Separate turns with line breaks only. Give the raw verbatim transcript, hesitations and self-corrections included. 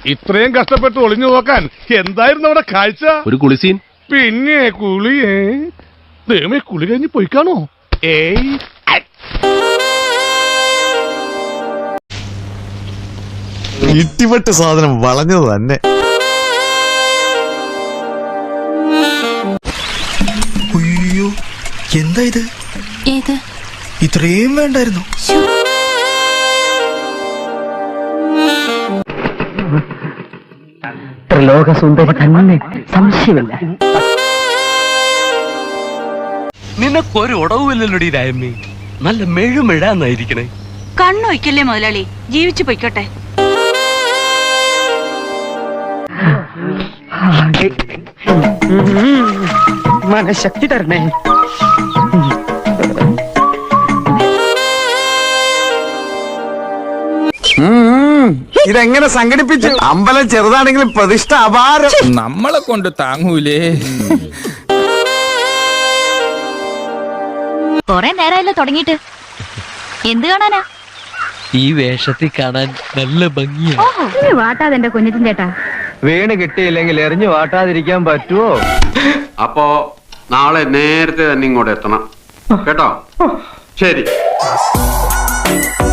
ഇത്രയും കഷ്ടപ്പെട്ട് ഒളിഞ്ഞു നോക്കാൻ എന്തായിരുന്നു അവിടെ കാഴ്ച?
ഒരു കുളിസീൻ.
പിന്നെ കുളിയേ ദൈവമേ, കുളി കഴിഞ്ഞ് പോയിക്കാണോ? ഏയ്
ഇട്ടിപ്പെട്ട് സാധനം വളഞ്ഞത് തന്നെ.
അയ്യോ, എന്താ ഇത്?
ഏത്?
ഇത്രയും വേണ്ടായിരുന്നു.
ത്രിലോകസുന്ദരി തന്നെ, സംശയമില്ല.
നിനക്കൊരു ഉടവുമില്ലല്ലോടി രായമ്മേ. നല്ല മെഴുമെഴാന്നായിരിക്കണേ.
കണ്ണൊയ്ക്കല്ലേ മുതലാളി, ജീവിച്ചു പൊയ്ക്കോട്ടെ.
മനഃശക്തി തരണേ.
ഇതെങ്ങനെ സംഘടിപ്പിച്ചു? അമ്പലം ചെറുതാണെങ്കിലും പ്രതിഷ്ഠ അപാരം.
നമ്മളെ കൊണ്ട് താങ്ങൂലേ.
കൊറേ നേരമല്ലോ തുടങ്ങിയിട്ട്. എന്ത് കാണാനാ?
ഈ വേഷത്തിൽ കാണാൻ നല്ല ഭംഗിയാണ്.
വാട്ടാതെ എന്റെ കുഞ്ഞിറ്റിൻ ചേട്ടാ.
വീണ് കിട്ടിയില്ലെങ്കിൽ എറിഞ്ഞു വാട്ടാതിരിക്കാൻ പറ്റുമോ?
അപ്പോ നാളെ നേരത്തെ തന്നെ ഇങ്ങോട്ട് എത്തണം കേട്ടോ. ശരി.